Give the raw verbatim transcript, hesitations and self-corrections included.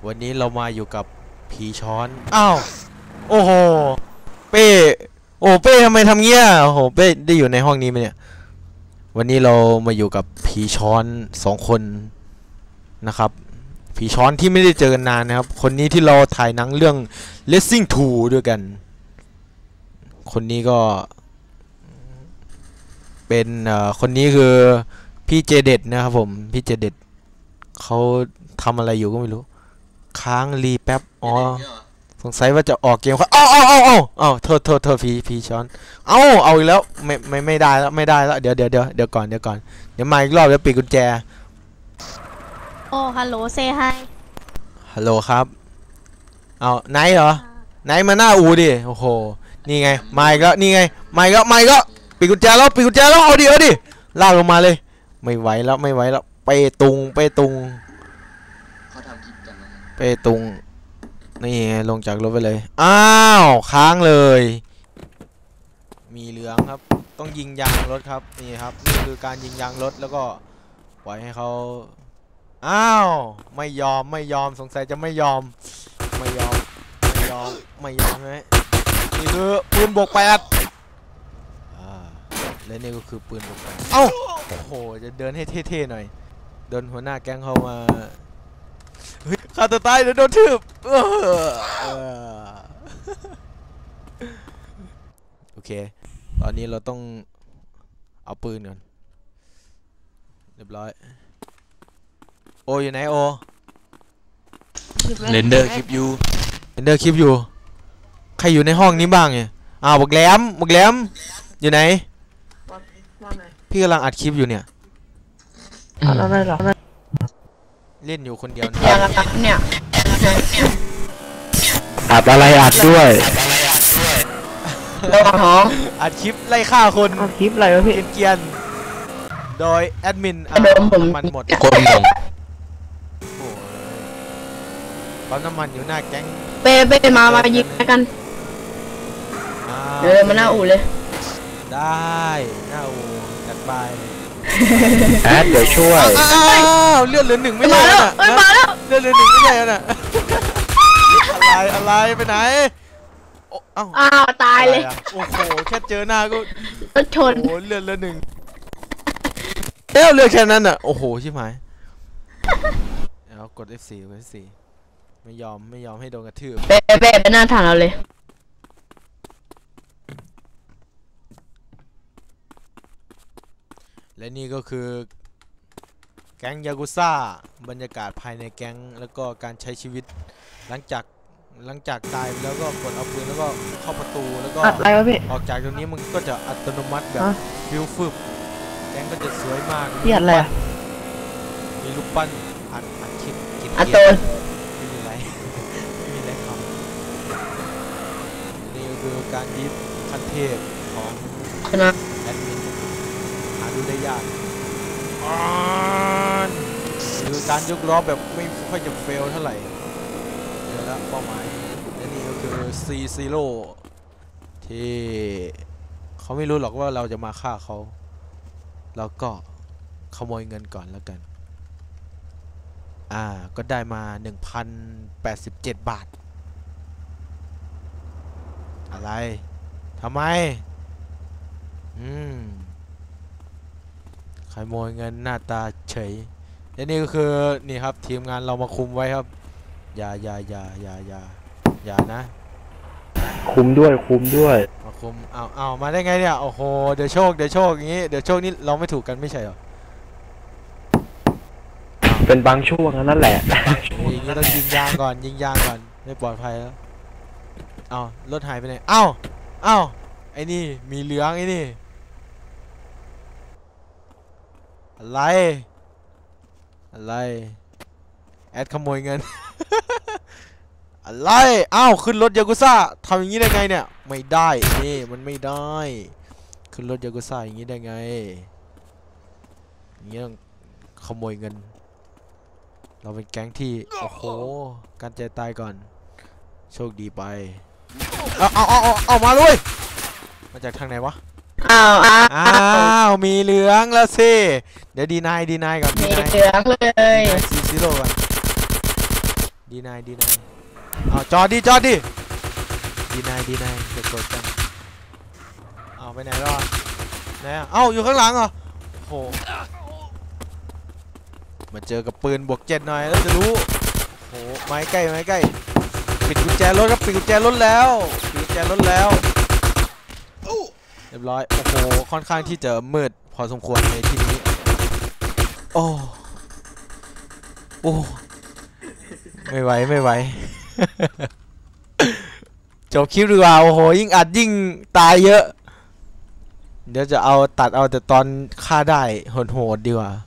วันนี้เรามาอยู่กับผีช้อนอ้าวโอ้โหเป้โอ้เป้ทำไมทำเงี้ยโอ้โหเป้ได้อยู่ในห้องนี้ไหมเนี่ยวันนี้เรามาอยู่กับผีช้อนสองคนนะครับผีช้อนที่ไม่ได้เจอกันนานนะครับคนนี้ที่เราถ่ายหนังเรื่อง Racing ทูด้วยกันคนนี้ก็เป็นเอ่อคนนี้คือพี่เจเด็ดนะครับผมพี่เจเด็ดเขาทำอะไรอยู่ก็ไม่รู้ค้างรีแป๊บอ๋อสงสัยว่าจะออกเกมครับอ้าวอ้าวอ้าวอ้าวโทษโทษโทษพี่พี่ช้อนเอ้าเอาอีกแล้วไม่ไม่ไม่ได้แล้วไม่ได้แล้วเดี๋ยวเดี๋ยวเดี๋ยวเดี๋ยวก่อนเดี๋ยวก่อนเดี๋ยวมาอีกรอบเดี๋ยวปิดกุญแจโอ้ฮัลโหลเซฮายฮัลโหลครับเอาไหนเหรอไหนมาหน้าอูดิโอ้โหนี่ไงมาอีกแล้วนี่ไงมาอีกแล้วมาอีกแล้วปิดกุญแจแล้วปิดกุญแจแล้วเอาดิเอาดิลากลงมาเลยไม่ไหวแล้วไม่ไหวแล้วไปตุงไปตุงเขาทำคลิปกันนะไปตุงนี่ลงจากรถไปเลยอ้าวค้างเลยมีเหลืองครับต้องยิงยางรถครับนี่ครับนี่คือการยิงยางรถแล้วก็ปล่อยให้เขาอ้าวไม่ยอมไม่ยอมสงสัยจะไม่ยอมไม่ยอมไม่ยอมไม่ยอมใช่ไหมนี่คือปืนบวกแปดอ่าและนี่ก็คือปืนบวกแปดเอ้าโอ้โหจะเดินให้เท่ๆหน่อยเดินหัวหน้าแก๊งเข้ามาเฮ้ยฆ่าตัวตายเดี๋ยวโดนทืบโอเคตอนนี้เราต้องเอาปืนก่อนเรียบร้อยโออยู่ไหนโอเรนเดอร์คลิปอยู่เรนเดอร์คลิปอยู่ใครอยู่ในห้องนี้บ้างเนี่ยอ้าวบักแหลมบักแหลมอยู่ไหนพี่กำลังอัดคลิปอยู่เนี่ยอะไรหรอเล่นอยู่คนเดียวเนี่ยอัดอะไรอัดด้วยอัดคลิปไล่ฆ่าคนอัดคลิปอะไรวะพี่เกียนโดยแอดมินมันหมดคนหนึ่งปั๊มน้ำมันอยู่หน้าแก๊งเป้เป้มามายิงกันเดี๋ยวมาหน้าอู่เลยได้หน้าอู่จัดไปแอดเดี๋ยวช่วยอ้าวเลือดเหลือหนึ่งไม่ใช่แล้วมาแล้วเลือดเหลือหนึ่งไม่ใช่แล้วน่ะอะไรอะไรไปไหนอ้าวตายเลยโอ้โหแค่เจอหน้าก็รถชนโอ้เลือดเหลือหนึ่งเอ้าเลือดแค่นั้นอ่ะโอ้โหชิบหายแล้วกด เอฟ โฟร์ กด เอฟ โฟร์ ไม่ยอมไม่ยอมให้โดนกระทืบเป๊ะเป๊ะไปหน้าฐานเราเลยและนี่ก็คือแก๊งยากุซ่าบรรยากาศภายในแก๊งแล้วก็การใช้ชีวิตหลังจากหลังจากตายแล้วก็กดเอาปืนแล้วก็เข้าประตูแล้วก็ออกจากตรงนี้มันก็จะอัตโนมัติแบบฟิวฟึบแก๊งก็จะสวยมากมีอะไรมีลูกปั้นอัดอัดคลิปกินอัตโตนไม่มีอะไรไม่มีอะไรครับนี่ก็คือการยิบขั้นเทพของแอดมินหาดูได้ยากคือการยกล้อแบบไม่ค่อยจะเฟลเท่าไหร่เดี๋ยวละเป้าหมายและนี่ก็คือ ซี ซี โร่ ที่เขาไม่รู้หรอกว่าเราจะมาฆ่าเขาเราก็ขโมยเงินก่อนแล้วกันอ่าก็ได้มา หนึ่งพันแปดสิบเจ็ด บาทอะไรทำไมอืมขโมยเงินหน้าตาเฉยและนี่ก็คือนี่ครับทีมงานเรามาคุมไว้ครับอย่าอย่าอย่าอย่าอย่าอย่านะคุมด้วยคุมด้วยมาคุมเอาเอามาได้ไงเนี่ยโอ้โหเดี๋ยวโชคเดี๋ยวโชคอย่างงี้เดี๋ยวโชคนี่เราไม่ถูกกันไม่ใช่หรอเป็นบางช่วงนั่นแหละอย่างงี้ต้องยิงยางก่อนยิงยางก่อนไม่ปลอดภัยแล้วเอารถหายไปไหนเอ้าเอ้าไอ้นี่มีเหลืองไอ้นี่อะไรอะไรแอดขโมยเงินอะไรอ้าวขึ้นรถยากุซ่าทำอย่างนี้ได้ไงเนี่ยไม่ได้นี่มันไม่ได้ขึ้นรถยากุซ่าอย่างนี้ได้ไงอย่างนี้ต้องขโมยเงินเราเป็นแก๊งที่โอ้โหการใจตายก่อนโชคดีไปเอาเอาเอาเอามาเลยมาจากทางไหนวะอ้าวอ้าวมีเหลืองแล้วสิเดี๋ยวดีนายดีนายก่อนมีเหลืองเลยซีซีโร่ก่อน ดีดีนายดีนายเอาจอดดิจอดดิดีนายดีนายเด็กกดกันเอาไปไหนรอดไหนอ่ะเอ้าอยู่ข้างหลังเหรอโอ้โหมาเจอกับปืนบวกเจ็ดหน่อยแล้วจะรู้โอ้โหไม้ใกล้ไม้ใกล้ปิดกุญแจรถครับปิดกุญแจรถแล้วปิดกุญแจรถแล้วเรียบร้อยโอ้โหค่อนข้างที่จะมืดพอสมควรในที่นี้โอ้โอ้ไม่ไหวไม่ไหว จบคลิปดีกว่าโอ้โหยิ่งอัดยิ่งตายเยอะเดี๋ยวจะเอาตัดเอาแต่ตอนฆ่าได้โหดๆดีกว่า